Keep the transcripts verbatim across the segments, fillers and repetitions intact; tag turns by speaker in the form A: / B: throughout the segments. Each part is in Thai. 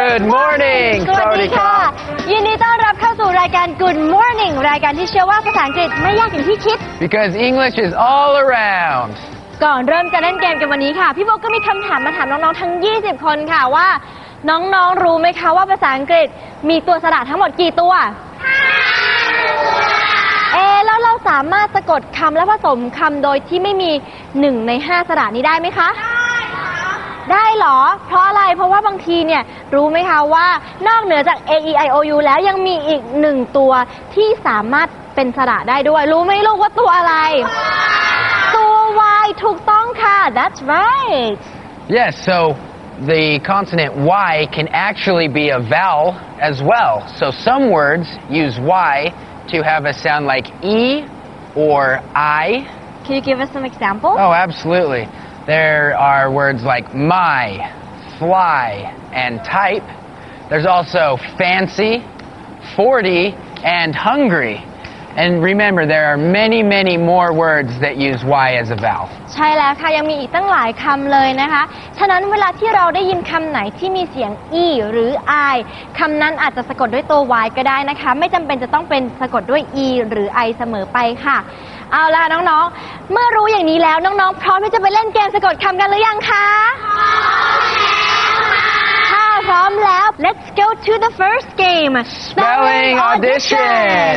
A: Good morning
B: สวัสดีค่ะยินดีต้อนรับเข้าสู่รายการ Good Morning รายการที่เชื่อว่าภาษาอังกฤษไม่ยากอย่างที่คิด
A: Because English is all around
B: ก่อนเริ่มจะเล่นเกมกันวันนี้ค่ะพี่โบก็มีคำถามมาถามน้องๆทั้งยี่สิบคนค่ะว่าน้องๆรู้ไหมคะว่าภาษาอังกฤษมีตัวสระทั้งหมดกี่ตัวเอแล้วเราสามารถสะกดคำและผสมคำโดยที่ไม่มีหนึ่งในห้าสระนี้ได้ไหมคะได้เหรอเพราะอะไรเพราะว่าบางทีเนี่ยรู้ไหมคะว่านอกเหนือจาก A E I O U แล้วยังมีอีกหนึ่งตัวที่สามารถเป็นสระได้ด้วยรู้ไหมลูกว่าตัวอะไรตัว Y ถูกต้องค่ะ That's right
A: Yes so the consonant Y can actually be a vowel as well so some words use Y to have a sound like E or I
B: Can you give us some examples
A: Oh absolutely There are words like my, fly, and type. There's also fancy, forty, and hungry. And remember, there are many, many more words that use Y as a vowel.
B: ใช่แล้วค่ะยังมีอีกตั้งหลายคำเลยนะคะฉะนั้นเวลาที่เราได้ยินคำไหนที่มีเสียง E หรือ I คำนั้นอาจจะสะกดด้วยตัว Y ก็ได้นะคะไม่จำเป็นจะต้องเป็นสะกดด้วย E หรือ I เสมอไปค่ะเอาล่ะน้องๆเมื่อรู้อย่างนี้แล้วน้องๆพร้อมที่จะไปเล่นเกมสะกดคำกันหรือยังคะถ้าพร้อมแล้ว Let's go to the first game
A: Spelling Audition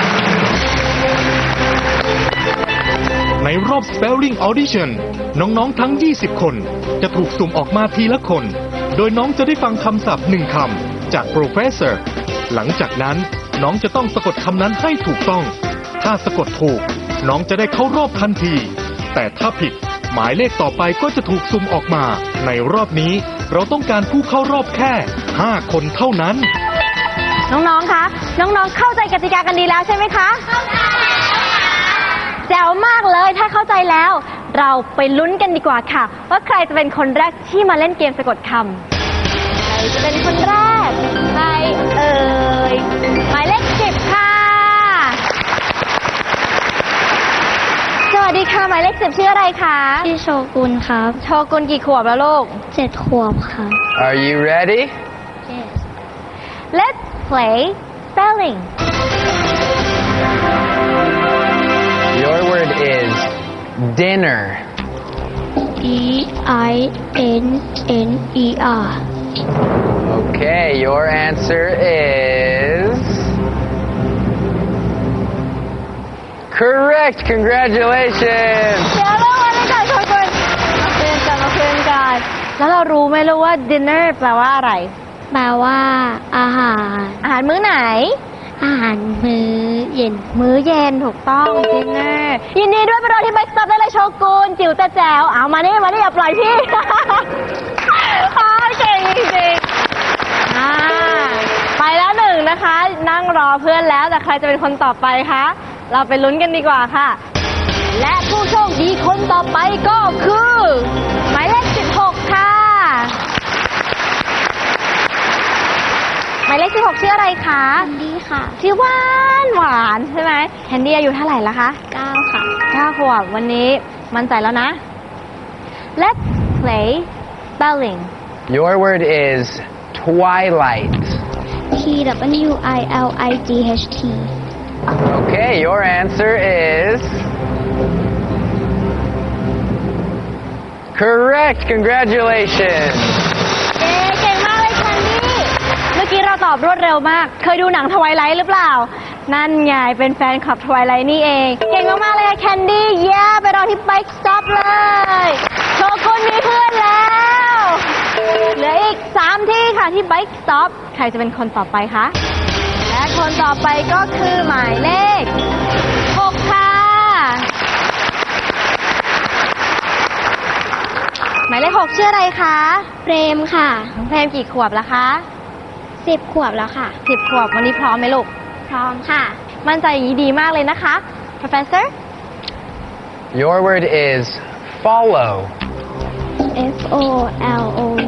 C: ในรอบ Spelling Audition น้องๆทั้งยี่สิบคนจะถูกสุ่มออกมาทีละคนโดยน้องจะได้ฟังคำศัพท์หนึ่งคำจาก Professor หลังจากนั้นน้องจะต้องสะกดคำนั้นให้ถูกต้องถ้าสะกดถูกน้องจะได้เข้ารอบทันทีแต่ถ้าผิดหมายเลขต่อไปก็จะถูกสุ่มออกมาในรอบนี้เราต้องการผู้เข้ารอบแค่ห้าคนเท่านั้น
B: น้องๆคะน้องๆเข้าใจกติกากันดีแล้วใช่ไหมคะเข้าใจแจ๋วมากเลยถ้าเข้าใจแล้วเราไปลุ้นกันดีกว่าค่ะว่าใครจะเป็นคนแรกที่มาเล่นเกมสะกดคำใครจะเป็นคนแรกใครเอ่ยหมายเลขสิบค่ะสวัสดีค่ะหมายเลขสิบชื่ออะไรคะ
D: ชื่อโชกุนครับ
B: โชกุนกี่ขวบแล้วลูก
D: เจ็ดขวบครับ
A: Are you ready?
D: Yes
B: Let's play spelling
A: Your word is dinner
D: D I N N E R
A: Okay your answer is Correct congratulations
B: เดี๋ยวเราวันนี้ก่อนโชกุนมาคุยกันมาคุยกันแล้วเรารู้ไหมลูกว่า dinner แปลว่าอะไร
D: แปลว่าอาหาร
B: อาหารมื้อไหน
D: อาหารมื้อเย็น
B: มื้อเย็นถูกต้อง dinner ยินดีด้วยไปรอที่ไบค์สต็อปได้เลยโชกุนจิ๋วแต่แจ๋วเอามานี่มานี่อย่าปล่อยพี่เก่งจริงๆไปแล้วหนึ่งนะคะนั่งรอเพื่อนแล้วแต่ใครจะเป็นคนต่อไปคะเราไปลุ้นกันดีกว่าค่ะและผู้โชคดีคนต่อไปก็คือหมายเลขสิบหกค่ะหมายเลขสิบหกชื่ออะไรคะ
D: แคนดี้ค่ะ
B: ชื่อหวานหวานใช่ไหมแคนดี้อายุเท่าไหร่ละคะ
D: เก้าค่ะ
B: เก้าขวบวันนี้มั่นใจแล้วนะ Let's play spelling
A: Your word is twilight
D: T W I L I G H T
A: Okay your answer is Correct congratulations
B: เก่งมากเลยแคนดี้เมื่อกี้เราตอบรวดเร็วมากเคยดูหนังทไวไลท์หรือเปล่านั่นไงเป็นแฟนคลับทไวไลท์นี่เองเก่งมากๆเลยแคนดี้เย้ไปรอที่ไบค์สต็อปเลยโชกุนมีเพื่อนแล้วเหลืออีกสามที่ค่ะที่ไบค์สต็อปใครจะเป็นคนต่อไปคะและคนต่อไปก็คือหมายเลขหกค่ะหมายเลขหกชื่ออะไรคะ
D: เปรมค่ะ
B: น้องเพรมกี่ขวบแล้วคะ
D: สิบขวบแล้วค่ะ
B: สิบขวบวันนี้พร้อมไหมลูก
D: พร้อมค่ะ
B: มั่นใจอย่างนี้ดีมากเลยนะคะ Professor
A: Your word is follow
D: F O L O V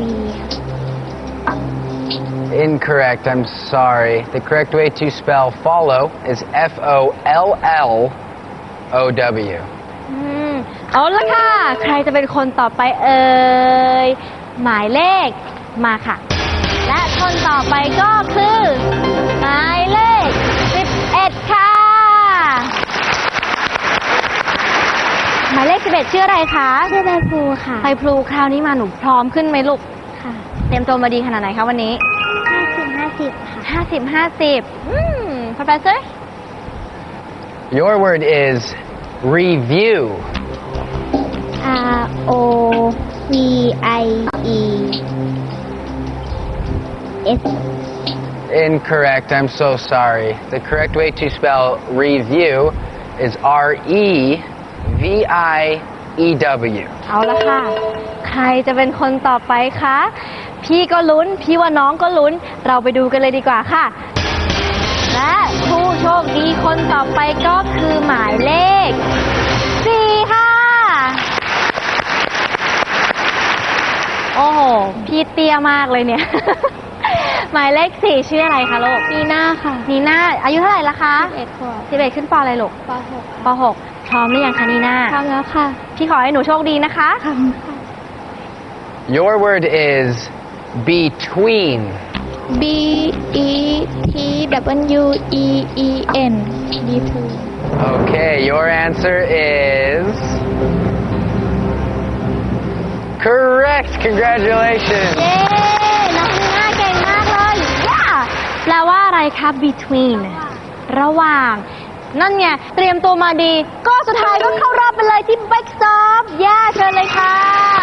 A: Incorrect I'm sorry The correct way to spell follow is F O L L O W
B: อืมเอาละค่ะใครจะเป็นคนต่อไปเอ่ยหมายเลขมาค่ะและคนต่อไปก็คือหมายเลขสิบเอ็ดค่ะหมายเลขสิบเอ็ดชื่ออะไรคะ
D: ชื่อใบพลูค่ะ
B: ไพพลูคราวนี้มาหนูพร้อมขึ้นไหมลูก
D: ค่ะ
B: เตรียมตัวมาดีขนาดไหนคะวันนี้
D: ห้าสิบห้าสิบค่ะ
B: ห้าสิบห้าสิบอืม Professor
A: Your word is review.
D: R O V I E S
A: Incorrect. I'm so sorry. The correct way to spell review is R E V I E W.
B: เอาละค่ะ ใครจะเป็นคนต่อไปคะ พี่ก็ลุ้น พี่ว่าน้องก็ลุ้น เราไปดูกันเลยดีกว่าค่ะ และผู้โชคดีคนต่อไปก็คือหมายเลขสี่ค่ะ โอ้โห พี่เตี้ยมากเลยเนี่ย หมายเลขสี่ชื่ออะไรคะลูก
D: นีน่าค่ะ
B: นีน่า อายุเท่าไหร่ละคะ
D: สิบเอ็ดขวบ
B: สิบเอ็ดขึ้นปออะไรลูก
D: ปหก
B: ปหกพร้อมหรือยังคะนีน่า
D: พร้อมแล้วค่ะ
B: พี่ขอให้หนูโชคดีนะคะ
D: ค่ะ
A: Your word is between.
D: B E T W E E N between
A: Okay, your answer is correct. Congratulations.
B: เย้ น้องนีน่าเก่งมากเลยย่าแปลว่าอะไรคะ between ระหว่าง นั่นไง เตรียมตัวมาดี ก็สุดท้ายก็เข้ารอบไปเลยที่ Bike Stop ย่าเชิญเลยค่ะ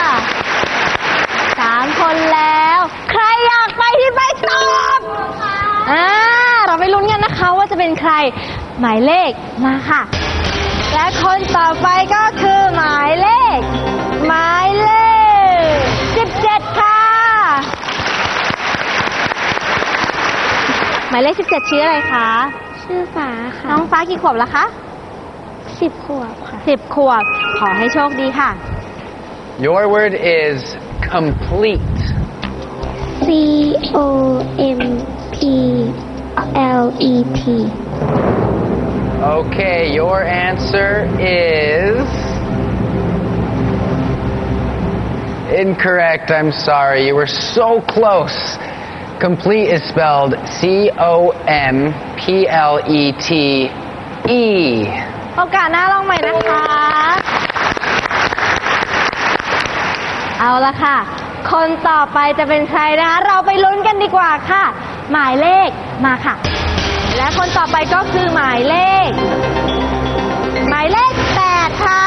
B: สามคนแล้ว ใครอยากไปที่ Bike Stop อ่า เราไปลุ้นกันนะคะว่าจะเป็นใคร หมายเลขมาค่ะ และคนต่อไปก็คือหมายเลข หมายเลขสิบเจ็ดค่ะ หมายเลขสิบเจ็ดชื่ออะไรคะ
D: ชื่อฟ้าค่ะ
B: น้องฟ้ากี่ขวบแล้วคะ
D: สิบขวบค่ะ
B: สิบขวบ ขอให้โชคดีค่ะ
A: Your word is complete.
D: C O M P L E T
A: Okay, your answer is incorrect. I'm sorry. You were so close. Complete is spelled C O M P L E T E.
B: โอกาสหน้าลองใหม่นะคะ เอาละค่ะ คนต่อไปจะเป็นใครนะคะ เราไปลุ้นกันดีกว่าค่ะ หมายเลขมาค่ะ และคนต่อไปก็คือหมายเลข หมายเลขแปดค่ะ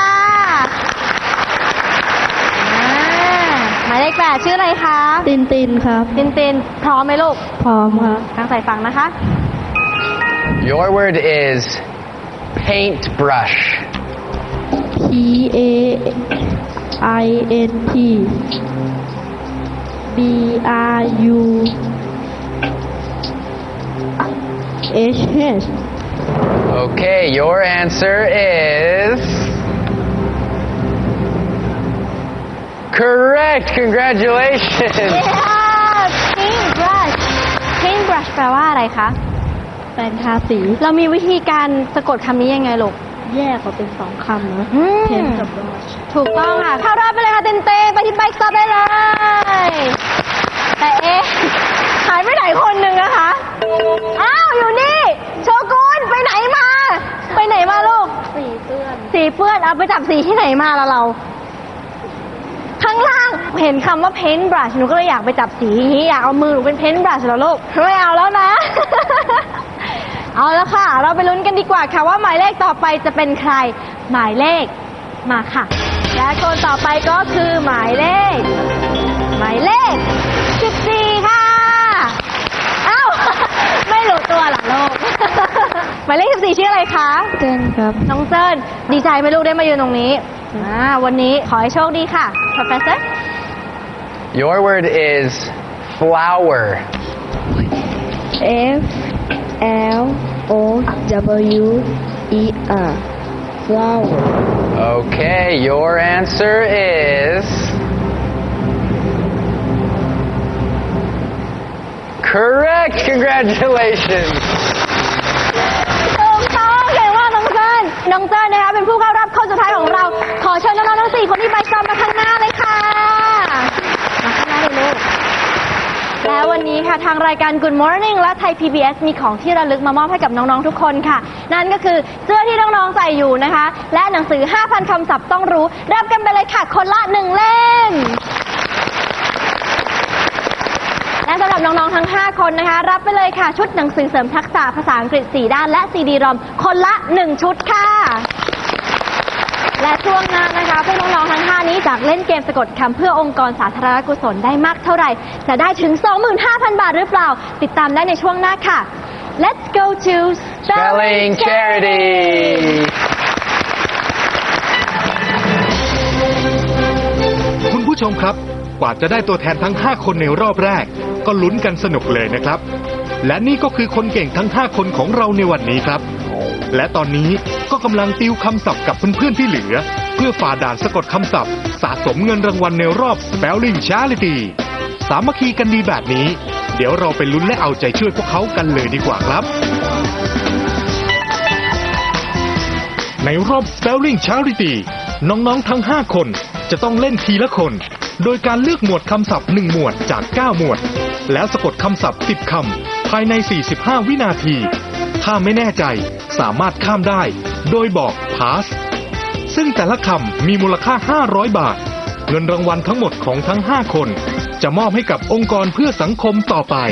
B: อ่าหมายเลขแปดชื่ออะไรคะ
D: ตินตินครับ
B: ตินตินพร้อมไหมลูก
D: พร้อมครับ
B: ตั้งใจฟังนะคะ
A: Your word is paintbrush.
D: P A I N T B R U H H
A: Okay, your answer is correct. Congratulations.
B: Yeah, paintbrush paintbrush แปลว่าอะไรคะ
D: แปรงทาสี
B: เรามีวิธีการสะกดคำนี้ยังไงลูก
D: แยกออกเป็นสองคำนะ
B: อืม
D: เพนกับบลัช
B: ถูกต้องค่ะ เข้ารอบไปเลยค่ะเต้นเต้ไปที่ Bike Stop ได้เลย แต่เอ๊ะ หายไปไหนคนหนึ่งนะคะ อ้าว อยู่นี่ โชกุนไปไหนมา ไปไหนมาลูก
D: สีเปื้อน
B: สีเปื้อนเอาไปจับสีที่ไหนมาละเรา ข้างล่างเห็นคำว่า paint brush หนูก็เลยอยากไปจับสีอยากเอามือหนูเป็น paint brush แล้วลูกไม่เอาแล้วนะ เอาแล้วค่ะ เราไปลุ้นกันดีกว่าค่ะว่าหมายเลขต่อไปจะเป็นใคร หมายเลขมาค่ะ และคนต่อไปก็คือหมายเลข หมายเลขสิบสี่ค่ะอ้าว ไม่รู้ตัวเหรอลูก หมายเลขสิบสี่ชื่ออะไรคะ
D: เต้นครับ
B: น้องเจิ้นดีใจไหมลูกได้มายืนตรงนี้อ่าวันนี้ขอให้โชคดีค่ะ Professor
A: Your word is flower.
D: F L O W E R flower
A: Okay, your answer is correct. Congratulations.
B: ถูกต้องเก่งมากน้องเจิ้นน้องเจิ้นนะคะเป็นผู้เข้ารอบคนสุดท้ายของเรา ขอเชิญน้องๆทั้งสี่คนที่ไปซ้อมมาข้างหน้าเลยค่ะ มาข้างหน้าเลยลูกแล้ววันนี้ค่ะทางรายการ Good Morning และไทย พี บี เอส มีของที่ระลึกมามอบให้กับน้องๆทุกคนค่ะ นั่นก็คือเสื้อที่น้องๆใส่อยู่นะคะ และหนังสือ ห้าพัน คำศัพท์ต้องรู้รับกันไปเลยค่ะคนละหนึ่งเล่ม และสำหรับน้องๆทั้งห้าคนนะคะรับไปเลยค่ะชุดหนังสือเสริมทักษะภาษาอังกฤษสี่ด้านและซีดีรอมคนละหนึ่งชุดค่ะและช่วงหน้านะคะพวกน้องๆทั้งห้านี้จากเล่นเกมสะกดคำเพื่อองค์กรสาธารณกุศลได้มากเท่าไหร่จะได้ถึง สองหมื่นห้าพัน บาทหรือเปล่าติดตามได้ในช่วงหน้าค่ะ Let's go to
A: Spelling Charity
C: คุณผู้ชมครับกว่าจะได้ตัวแทนทั้งห้าคนในรอบแรกก็ลุ้นกันสนุกเลยนะครับและนี่ก็คือคนเก่งทั้งห้าคนของเราในวันนี้ครับและตอนนี้ก็กำลังติวคำศัพท์กับเพื่อนๆที่เหลือเพื่อฝ่าด่านสะกดคำศัพท์สะสมเงินรางวัลในรอบ Spelling Charity สามัคคีกันดีแบบนี้เดี๋ยวเราไปลุ้นและเอาใจช่วยพวกเขากันเลยดีกว่าครับในรอบ Spelling Charity น้องๆทั้งห้าคนจะต้องเล่นทีละคนโดยการเลือกหมวดคำศัพท์หนึ่งหมวดจากเก้าหมวดแล้วสะกดคำศัพท์สิบคำภายในสี่สิบห้าวินาทีถ้าไม่แน่ใจสามารถข้ามได้โดยบอก pass ซึ่งแต่ละคำมีมูลค่าห้าร้อยบาทเงินรางวัลทั้งหมดของทั้งห้าคนจะมอบให้กับองค์กรเพื่อสังคมต่อไป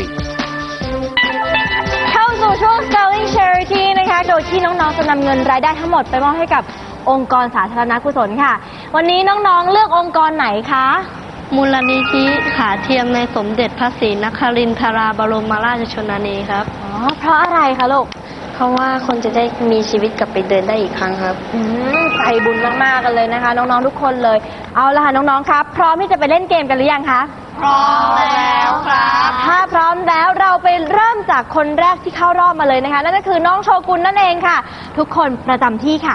B: เข้าสู่ช่วง Spelling Charity นะคะโดยที่น้องๆจะนำเงินรายได้ทั้งหมดไปมอบให้กับองค์กรสาธารณกุศลค่ะวันนี้น้องๆเลือกองค์กรไหนคะ
E: มูลนิธิขาเทียมในสมเด็จพระศรีนครินทราบรมราชชนนีครับ
B: อ๋อเพราะอะไรคะลูก
E: เพราะว่าคนจะได้มีชีวิตกลับไปเดินได้อีกครั้งครับ
B: อืมใจบุญมากๆกันเลยนะคะน้องๆทุกคนเลยเอาล่ะค่ะน้องๆครับพร้อมที่จะไปเล่นเกมกันหรือยังคะ
E: พร้อมแล้วครับ
B: ถ้าพร้อมแล้วเราไปเริ่มจากคนแรกที่เข้ารอบมาเลยนะคะนั่นก็คือน้องโชกุนนั่นเองค่ะทุกคนประจำที่ค่ะ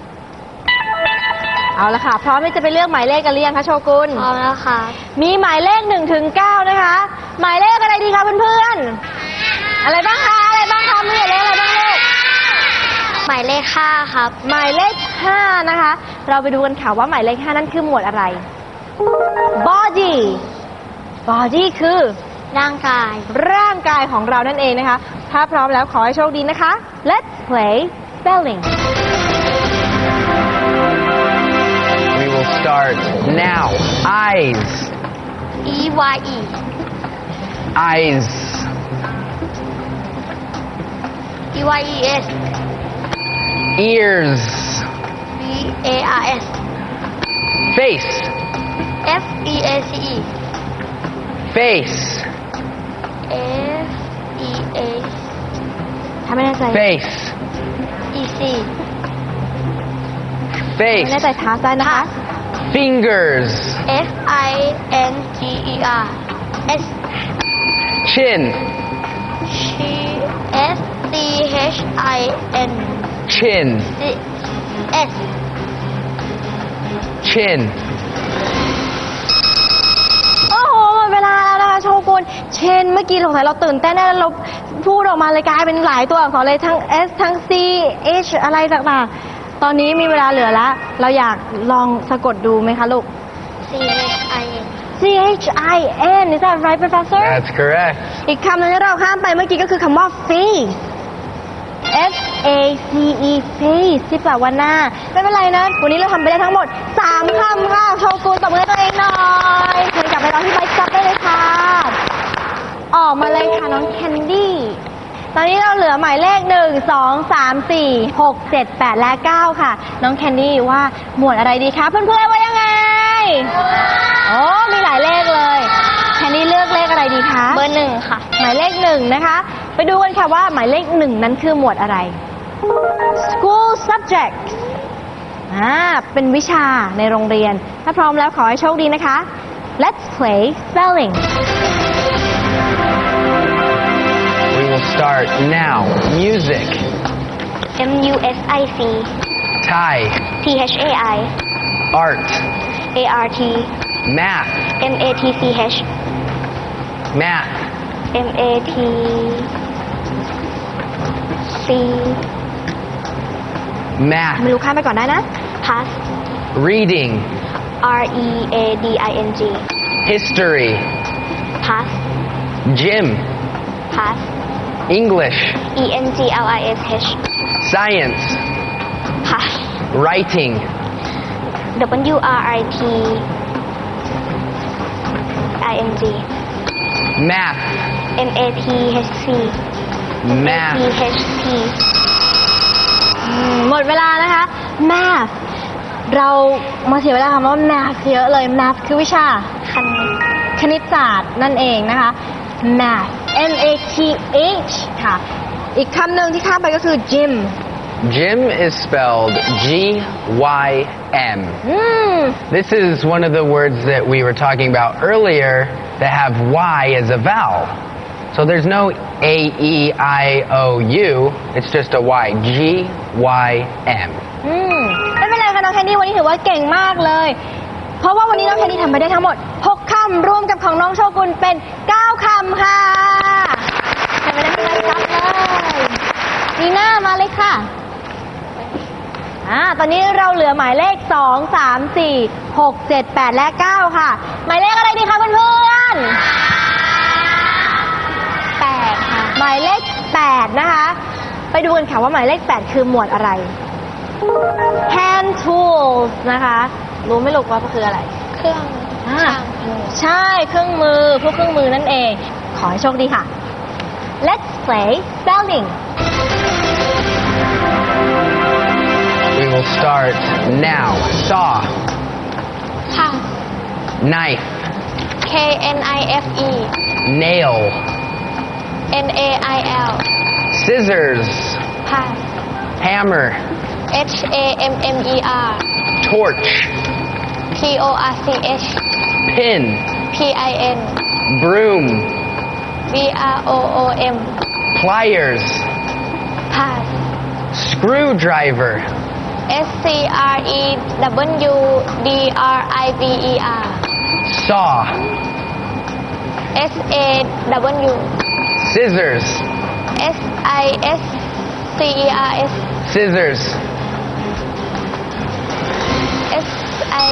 B: เอาละค่ะพร้อมที่จะไปเลือกหมายเลขกันหรือยังคะโชกุน
E: พร้อมแล้วค่ะ
B: มีหมายเลขหนึ่งถึงเก้านะคะหมายเลขอะไรดีคะเพื่อนๆอะไรบ้างคะอะไรบ้างคะมีหมายเลขอะไรบ้างลูก
E: หมายเลขห้าครับ
B: หมายเลขห้านะคะเราไปดูกันค่ะว่าหมายเลขห้านั่นคือหมวดอะไร body body คือ
E: ร่างกาย
B: ร่างกายของเรานั่นเองนะคะถ้าพร้อมแล้วขอให้โชคดีนะคะ Let's play spelling
A: We will start now. Eyes.
E: E Y E.
A: Eyes.
E: E Y E S.
A: Ears.
E: B A R S.
A: Face.
E: F E A C E.
A: Face.
E: F E A.
B: ทำไม่แน่ใจ
A: Face.
E: E C.
A: Face.
B: ไม่แน่ใจท้าได้นะคะ
A: Fingers.
E: F I N G E R. S.
A: Chin.
E: S C H I N.
A: Chin.
E: S.
A: Chin.
B: โอ้โหหมดเวลาแล้วนะคะโชกุนเช่นเมื่อกี้สงสัยเราตื่นเต้นแล้วเราพูดออกมาเลยกลายเป็นหลายตัวอักษรเลยทั้ง S ทั้ง C H อะไรต่างๆตอนนี้มีเวลาเหลือแล้วเราอยากลองสะกดดูไหมคะลูก
E: C H I N
B: C H I N is that right professor
A: That's correct
B: อีกคำหนึงที่เราข้ามไปเมื่อกี้ก็คือคำว่า face F A C E face ที่แปลว่าหน้าไม่เป็นไรนะวันนี้เราทำไปได้ทั้งหมดสามคำค่ะโชกุนตบมือให้ตัวเองหน่อยเชิญกลับไปตอนที่ไบค์จับได้เลยค่ะออกมาเลยค่ะน้องแคนดี้ตอนนี้เราเหลือหมายเลขหนึ่ง สอง สาม สี่ หก เจ็ด แปด และ เก้า ค่ะน้องแคนดี้ว่าหมวดอะไรดีคะเพื่อนๆว่ายังไงโอ้มีหลายเลขเลยแคนดี้เลือกเลขอะไรดีคะ
E: เบอร์หนึ่งค่ะ
B: หมายเลขหนึ่งนะคะไปดูกันค่ะว่าหมายเลขหนึ่งนั้นคือหมวดอะไร School subject อ่าเป็นวิชาในโรงเรียนถ้าพร้อมแล้วขอให้โชคดีนะคะ Let's play spelling
A: We will start now. Music.
E: M U S I C.
A: Thai.
E: T H A I.
A: Art.
E: A R T.
A: Math.
E: M A T C H.
A: Math.
E: M A T C.
A: Math.
B: ไม่รู้ข้ามไปก่อนได้นะ
E: Pass.
A: Reading.
E: R E A D I N G.
A: History.
E: Pass.
A: Gym.
D: Pass.
A: English.
D: E N G L I S H.
A: Science.
D: Pass.
A: Writing.
D: W R I T I N G.
A: Math.
D: M A T H C.
A: Math.
D: T H T.
B: อืมหมดเวลานะคะ math เรามาเสียเวลาคำว่า math เยอะเลย math คือวิชา
D: คณิต
B: คณิตศาสตร์นั่นเองนะคะ math M A T H ค่ะ อีกคำหนึ่งที่ข้ามไปก็คือ gym
A: Gym is spelled G Y M.
B: อืม
A: This is one of the words that we were talking about earlier that have Y as a vowel. So there's no A E I O U, it's just a Y. G Y M.
B: อืมไม่เป็นไรค่ะน้องแคนดี้วันนี้ถือว่าเก่งมากเลย เพราะว่าวันนี้น้องแคนดี้ทำไปได้ทั้งหมดหกคำรวมกับของน้องโชกุนเป็นเก้าคำค่ะทำไปได้ที่ไรจับเลยนีน่ามาเลยค่ะอ่าตอนนี้เราเหลือหมายเลขสอง สาม สี่ หก เจ็ด แปด และ เก้า ค่ะ หมายเลขอะไรดีคะเพื่อนๆแปดค่ะ หมายเลขแปดนะคะ ไปดูกันค่ะว่าหมายเลขแปดคือหมวดอะไร hand tools นะคะ รู้ไหมลูกว่าคืออะไร
D: เครื่อง
B: อ่า
D: ช่างมือ
B: ใช่เครื่องมือพวกเครื่องมือนั่นเอง ขอให้โชคดีค่ะ let's play spelling
A: We will start now. Saw.
D: ค่ะ
A: Knife.
D: K N I F E
A: Nail.
D: N A I L
A: Scissors.
D: Pass
A: Hammer.
D: H A M M E R
A: Torch.
D: T O R C H
A: Pin.
D: P I N
A: Broom.
D: B R O O M
A: Pliers.
D: Pass
A: Screwdriver.
D: S C R E W D R I V E R
A: Saw.
D: S A W
A: Scissors.
D: S I S C E R S
A: Scissors.
D: S I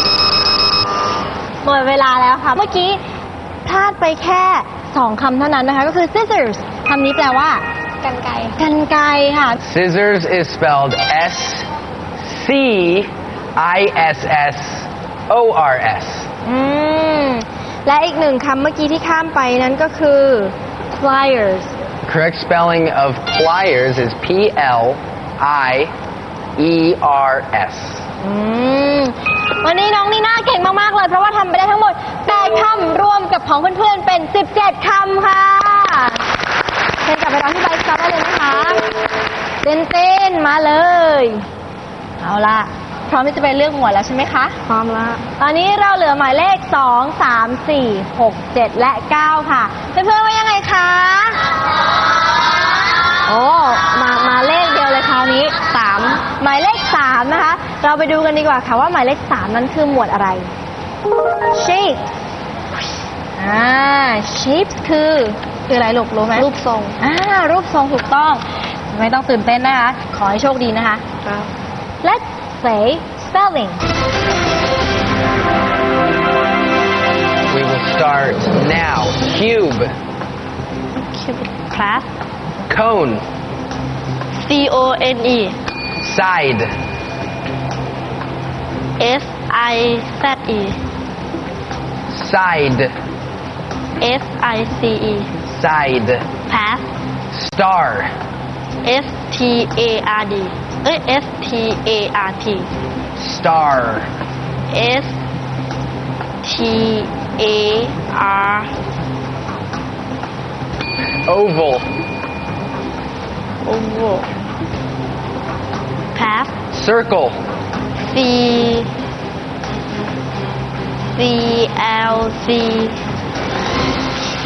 B: หมดเวลาแล้วค่ะ เมื่อกี้พลาดไปแค่สองคำเท่านั้นนะคะ ก็คือ scissors คำนี้แปลว่า
D: กันไกร
B: กันไกรค่ะ
A: Scissors is spelled S C I S S O R S.
B: อืม และอีกหนึ่งคำเมื่อกี้ที่ข้ามไปนั้นก็คือ pliers
A: Correct spelling of pliers is P L I E R S.
B: อืม วันนี้น้องนีน่าเก่งมาก ๆ เลย เพราะว่าทำไปได้ทั้งหมดแปดคำรวมกับของเพื่อน ๆ เป็น สิบเจ็ด คำค่ะเชิญกลับไปร้องที่ไบค์สต็อปได้เลยนะคะเต้นเต้นๆมาเลย เอาล่ะ พร้อมที่จะไปเลือกหมวดแล้วใช่ไหมคะ
E: พร้อมแล้ว
B: ตอนนี้เราเหลือหมายเลข สอง สาม สี่ หก เจ็ด และ เก้า ค่ะ เพื่อนๆว่ายังไงคะ โอ้ มา มาเลขเดียวเลยคราวนี้ สาม หมายเลข สาม นะคะ เราไปดูกันดีกว่าค่ะว่าหมายเลข สาม นั้นคือหมวดอะไร shape อ่า shape คือ คืออะไรลูกรู้ไหม
E: รูปทรง
B: อ่า รูปทรงถูกต้อง ไม่ต้องตื่นเต้นนะคะ ขอให้โชคดีนะคะ
E: ครับ
B: Let's say spelling
A: We will start now. Cube.
E: class
A: Cone.
E: C O N E
A: Side.
E: S I Z E
A: Side.
E: S I C E
A: Side.
E: pass
A: Star.
E: S T A R D เอ้ย S T A R T
A: Star.
E: S T A R
A: Oval.
E: oval pass
A: Circle.
E: C C L C K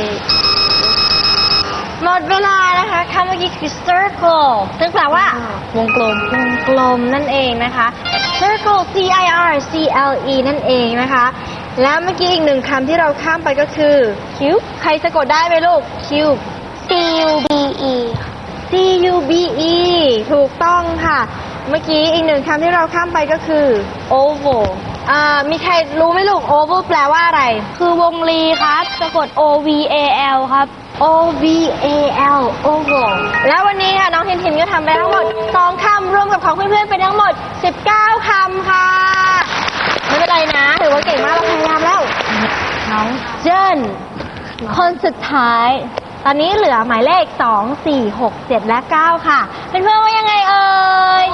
B: หมดเวลานะคะคำเมื่อกี้คือ circle ซึ่งแปลว่า วงกลม วงกลมนั่นเองนะคะ circle C I R C L E นั่นเองนะคะ แล้วเมื่อกี้อีกหนึ่งคำที่เราข้ามไปก็คือ cube ใครสะกดได้ไหมลูก cube
D: C U B E
B: C U B E ถูกต้องค่ะ เมื่อกี้อีกหนึ่งคำที่เราข้ามไปก็คือ oval อ่ามีใครรู้ไหมลูก oval แปลว่าอะไร
E: คือวงลีครับสะกด O V A L ครับ
B: O V A L oval แล้ววันนี้ค่ะน้องทินทินก็ทำไปทั้งหมดสองคำรวมกับของเพื่อนๆเป็นทั้งหมดสิบเก้าคำค่ะ ไม่เป็นไรนะ ถือว่าเก่งมากเราพยายามแล้ว น้องเจิ้นคนสุดท้าย ตอนนี้เหลือหมายเลขสอง สี่ หก เจ็ด และ เก้า ค่ะ เพื่อนๆว่ายังไงเอ่ย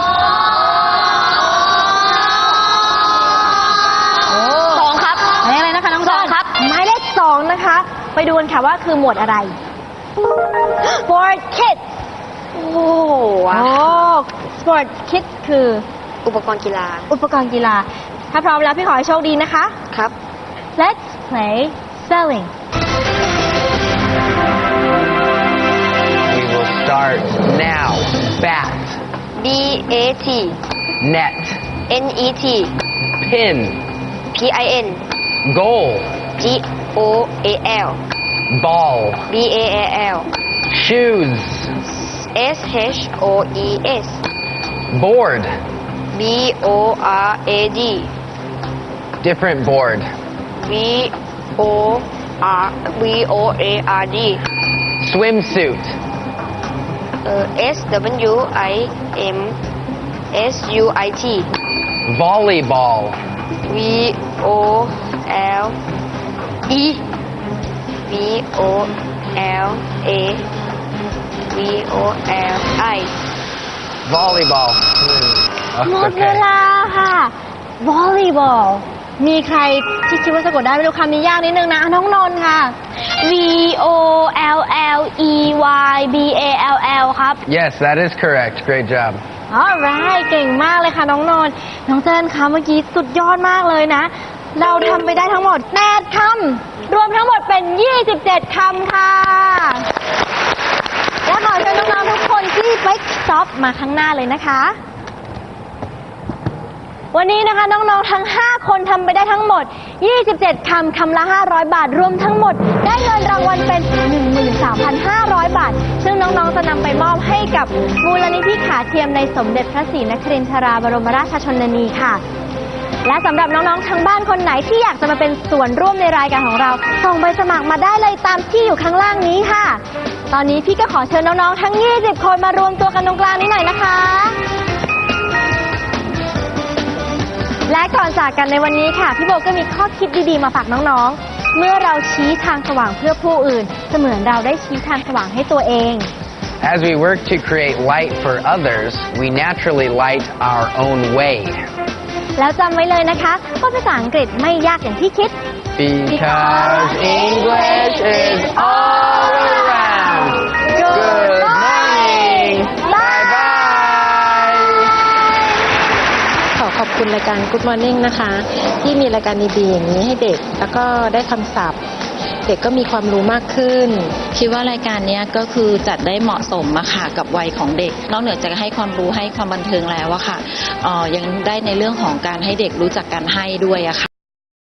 D: สองครับ
B: หมายเลขอะไรนะคะน้อง
D: สอง
B: เจิ้น
D: ครับ
B: หมายเลขสองนะคะ ไปดูกันค่ะว่าคือหมวดอะไร Sport Kids
D: โอ้
B: โอ้ Sport Kids คือ
D: อุปกรณ์กีฬา
B: อุปกรณ์กีฬา ถ้าพร้อมแล้วพี่ขอให้โชคดีนะคะ
D: ครับ
B: Let's play spelling.
A: We will start now. Bat,
D: B A T
A: net,
D: N E T
A: pin,
D: P I N
A: goal,
D: G O A L
A: ball,
D: B A A L
A: shoes,
D: S H O E S
A: board,
D: B O R A D
A: different board,
D: V O R V O A R D
A: swimsuit,
D: เอ่อ S W I M S U I T
A: volleyball,
D: V O L E V O L A V O L I
A: volleyball.
B: หม
A: Hmm.
B: ดเว
A: Okay.
B: ลาค่ะ volleyball มีใครที่คิดว่าสะกดได้ไม่รู้คำนี้ยากนิดนึงนะน้องนนท์ค่ะ
E: V O L L E Y B A L L ครับ
A: Yes, that is correct. Great job.
B: alright เก่งมากเลยค่ะน้องนนท์น้องเจนคะเมื่อกี้สุดยอดมากเลยนะ เราทำไปได้ทั้งหมดแปดคำรวมทั้งหมดเป็นยี่สิบเจ็ดคำค่ะ และขอเชิญน้องๆทุกคนที่ Bike Stop มาข้างหน้าเลยนะคะ วันนี้นะคะน้องๆทั้งห้าคนทำไปได้ทั้งหมดยี่สิบเจ็ดคำคำละห้าร้อยบาทรวมทั้งหมดได้เงินรางวัลเป็น หนึ่งหมื่นสามพันห้าร้อย บาท ซึ่งน้องๆจะนำไปมอบให้กับมูลนิธิขาเทียมในสมเด็จพระศรีนครินทราบรมราชชนนีค่ะ และสำหรับน้องๆทางบ้านคนไหนที่อยากจะมาเป็นส่วนร่วมในรายการของเราส่งใบสมัครมาได้เลยตามที่อยู่ข้างล่างนี้ค่ะ ตอนนี้พี่ก็ขอเชิญน้องๆทั้งยี่สิบคนมารวมตัวกันตรงกลางนี้หน่อยนะคะ และก่อนจากกันในวันนี้ค่ะพี่โบก็มีข้อคิดดีๆมาฝากน้องๆ เมื่อเราชี้ทางสว่างเพื่อผู้อื่นเสมือนเราได้ชี้ทางสว่างให้ตัวเอง
A: As we work to create light for others, we naturally light our own way.
B: แล้วจำไว้เลยนะคะว่าภาษาอังกฤษไม่ยากอย่างที่คิด
A: Because English is all around. Good morning. Bye bye.
F: ขอขอบคุณรายการ Good Morning นะคะ ที่มีรายการดีๆอย่างนี้ให้เด็ก แล้วก็ได้คำศัพท์ เด็กก็มีความรู้มากขึ้น
G: คิดว่ารายการนี้ก็คือจัดได้เหมาะสมอะค่ะกับวัยของเด็ก นอกเหนือจากให้ความรู้ให้ความบันเทิงแล้วอะค่ะเอ่อยังได้ในเรื่องของการให้เด็กรู้จักการให้ด้วยอะค่ะ